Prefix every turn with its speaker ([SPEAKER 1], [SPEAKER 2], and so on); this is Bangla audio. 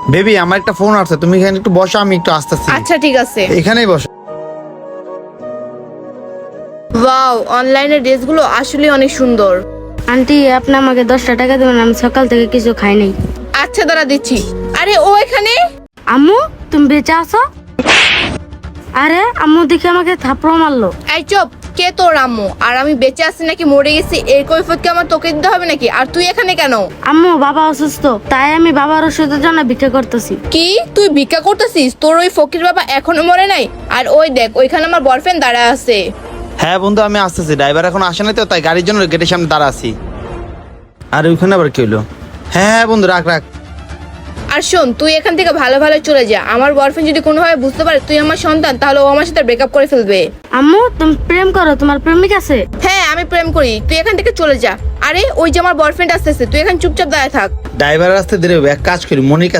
[SPEAKER 1] বেবি আমার একটা ফোন আসছে, তুমি এখানে একটু বসো, আমি একটু আসতেছি।
[SPEAKER 2] আচ্ছা ঠিক আছে।
[SPEAKER 1] এখানেই বসো।
[SPEAKER 2] ওয়াও, অনলাইনের ড্রেসগুলো আসলে অনেক সুন্দর।
[SPEAKER 3] আন্টি আপনি আমাকে 10টা টাকা দেবেন, আমি সকাল থেকে কিছু খাই নাই।
[SPEAKER 2] আচ্ছা দাঁড়া দিচ্ছি। আরে ও এখানে।
[SPEAKER 3] আম্মু তুমি বেঁচে আছো? আরে আম্মু দেখে আমাকে থাপ্পড় মারলো।
[SPEAKER 2] এই চুপ, কে তোর আম্মু? আর আমি বেঁচে আছি নাকি মরে গেছি এর কৈফিয়ত কি আমার তোকে দিতে হবে নাকি? আর তুই এখানে কেন?
[SPEAKER 3] আম্মু বাবা অসুস্থ, তাই আমি বাবার ওষুধের জন্য ভিক্ষা করতেছি।
[SPEAKER 2] কি তুই ভিক্ষা করতেছিস? তোর ওই ফকির বাবা এখনো মরে নাই? আর ওই দেখ ওইখানে আমার বয়ফ্রেন্ড দাঁড়া আছে।
[SPEAKER 1] হ্যাঁ বন্ধু আমি আসতেছি, ড্রাইভার এখন আসে নাই তো, তাই গাড়ির জন্য গেটের সামনে দাঁড়া আছি। আর ওইখানে আবার কি হলো? হ্যাঁ হ্যাঁ বন্ধু রাখ রাখ।
[SPEAKER 2] আর শোন, তুই এখান থেকে ভালো ভালো চলে যা। আমার বয়ফ্রেন্ড যদি কোনোভাবে বুঝতে পারে তুই আমার সন্তান, তাহলে ও আমার সাথে ব্রেকআপ করে ফেলবে।
[SPEAKER 3] আম্মু তুমি প্রেম করো, তোমার প্রেমিক আছে?
[SPEAKER 2] হ্যাঁ আমি প্রেম করি, তুই এখান থেকে চলে যা। আরে ওই যে আমার বয়ফ্রেন্ড আসতেছে, তুই এখানে চুপচাপ দাঁড়ায় থাক।
[SPEAKER 1] ড্রাইভার আসতে দেরি হবে, এক কাজ করি মনিকা